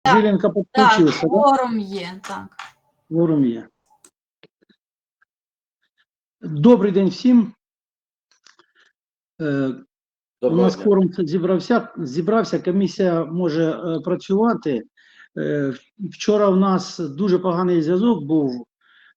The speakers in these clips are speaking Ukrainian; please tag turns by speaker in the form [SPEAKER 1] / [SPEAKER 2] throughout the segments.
[SPEAKER 1] Жиленко
[SPEAKER 2] Так,
[SPEAKER 1] підключився, да?
[SPEAKER 2] форум є, так.
[SPEAKER 1] Форум є. Добрий день всім. У нас форум зібрався, комісія може працювати. Вчора у нас дуже поганий зв'язок був.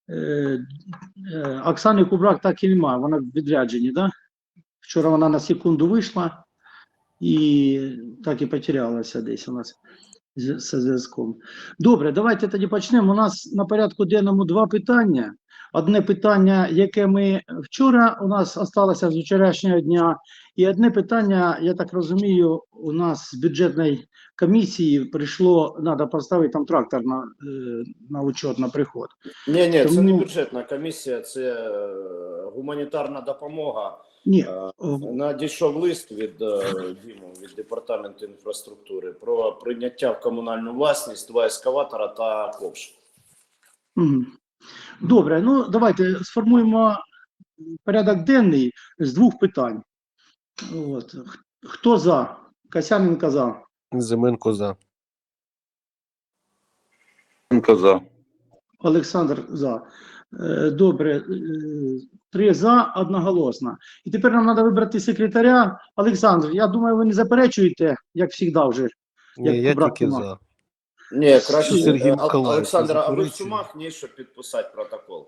[SPEAKER 1] Оксани Кубрак так і немає, вона в відрядженні, да? Вчора вона на секунду вийшла і так і потерялася десь у нас зі зв'язком. Добре, давайте тоді почнемо. У нас на порядку денному два питання. Одне питання, яке ми вчора у нас залишилося з вчорашнього дня, і одне питання, я так розумію, у нас з бюджетної комісії прийшло, треба поставити там трактор на учет, на приход.
[SPEAKER 3] Ні, це не бюджетна комісія, це гуманітарна допомога.
[SPEAKER 1] Ні.
[SPEAKER 3] Надійшов лист від від департаменту інфраструктури про прийняття в комунальну власність 2 ескаватора та ковш.
[SPEAKER 1] Добре, ну давайте сформуємо порядок денний з двох питань. От. Хто за? Касяненко за.
[SPEAKER 4] Зименко за.
[SPEAKER 5] За.
[SPEAKER 1] Олександр за. Добре, 3 за, одноголосно. І тепер нам треба вибрати секретаря. Олександр, я думаю, ви не заперечуєте, як завжди вже.
[SPEAKER 4] Ні, я тільки за.
[SPEAKER 3] Ні, краще,
[SPEAKER 4] Сергій Миколаївич,
[SPEAKER 3] Олександр, а ви в Сумах, ні, щоб підписати протокол?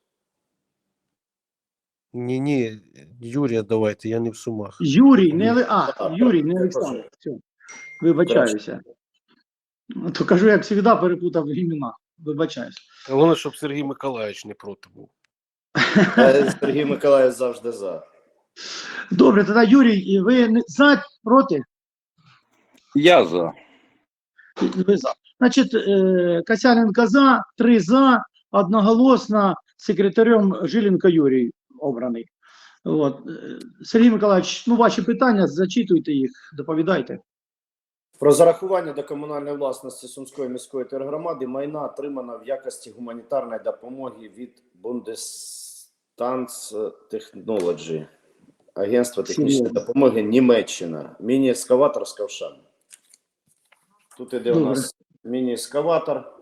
[SPEAKER 4] Ні, Юрія давайте, я не в Сумах.
[SPEAKER 1] Юрій, не Юрій, не Олександр. Все. Вибачаюся. То кажу, як завжди, перепутав імена. Вибачаюся.
[SPEAKER 4] Головне, щоб Сергій Миколаївич не проти був.
[SPEAKER 3] Сергій Миколаївич завжди за.
[SPEAKER 1] Добре, тоді Юрій, ви за, проти?
[SPEAKER 5] Я за.
[SPEAKER 1] Ви за. Значить, Касяненко за, 3 за, одноголосно, секретарем Жиленко Юрій обраний. От. Сергій Миколаївич, ну ваші питання, зачитуйте їх, доповідайте.
[SPEAKER 3] Про зарахування до комунальної власності Сумської міської тергромади майна отримано в якості гуманітарної допомоги від Bundesdance Technology, Агентства технічної допомоги Німеччина. Міні-ескаватор з ковшами. Тут іде у нас міні-ескаватор,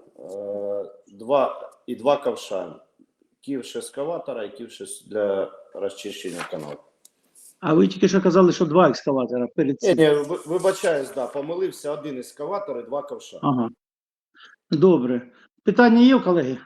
[SPEAKER 3] 2 ковша. Ківш ескаватора і ківш для розчищення каналу.
[SPEAKER 1] А ви тільки що казали, що 2 екскаватора перед цим.
[SPEAKER 3] Ні, вибачаюсь, да, помилився, 1 ескаватор і 2 ковша.
[SPEAKER 1] Ага. Добре. Питання є, колеги?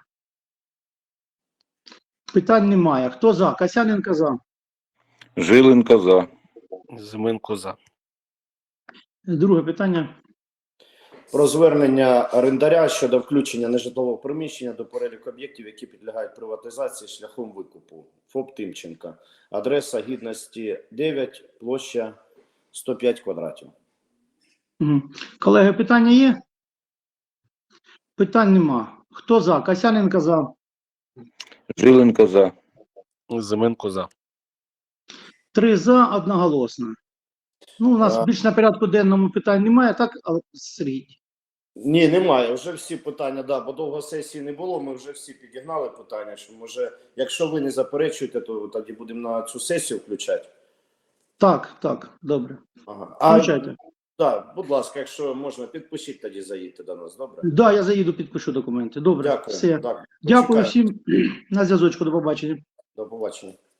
[SPEAKER 1] Питань немає. Хто за? Касяненко за.
[SPEAKER 5] Жиленко за.
[SPEAKER 4] Зименко за.
[SPEAKER 1] Друге питання.
[SPEAKER 3] Про звернення орендаря щодо включення нежитлового приміщення до переліку об'єктів, які підлягають приватизації шляхом викупу. ФОП Тимченка. Адреса Гідності 9, площа 105 квадратів.
[SPEAKER 1] Угу. Колеги, питання є? Питань нема. Хто за? Касяненко за.
[SPEAKER 5] Жиленко за.
[SPEAKER 4] Зименко за.
[SPEAKER 1] 3 за, одноголосно. Ну, у нас більш на порядку денному питань немає, так, Сергій?
[SPEAKER 3] Ні, немає. Вже всі питання, да, бо довго сесії не було, ми вже всі підігнали питання, що може, якщо ви не заперечуєте, то тоді будемо на цю сесію включати.
[SPEAKER 1] Так, добре.
[SPEAKER 3] Ага.
[SPEAKER 1] Включайте.
[SPEAKER 3] Так, будь ласка, якщо можна, підпишіть тоді, заїдьте до нас, добре?
[SPEAKER 1] Так, да, я заїду, підпишу документи. Добре,
[SPEAKER 3] Дякую.
[SPEAKER 1] все.
[SPEAKER 3] Так,
[SPEAKER 1] Дякую всім. На зв'язочку, до побачення.
[SPEAKER 3] До побачення.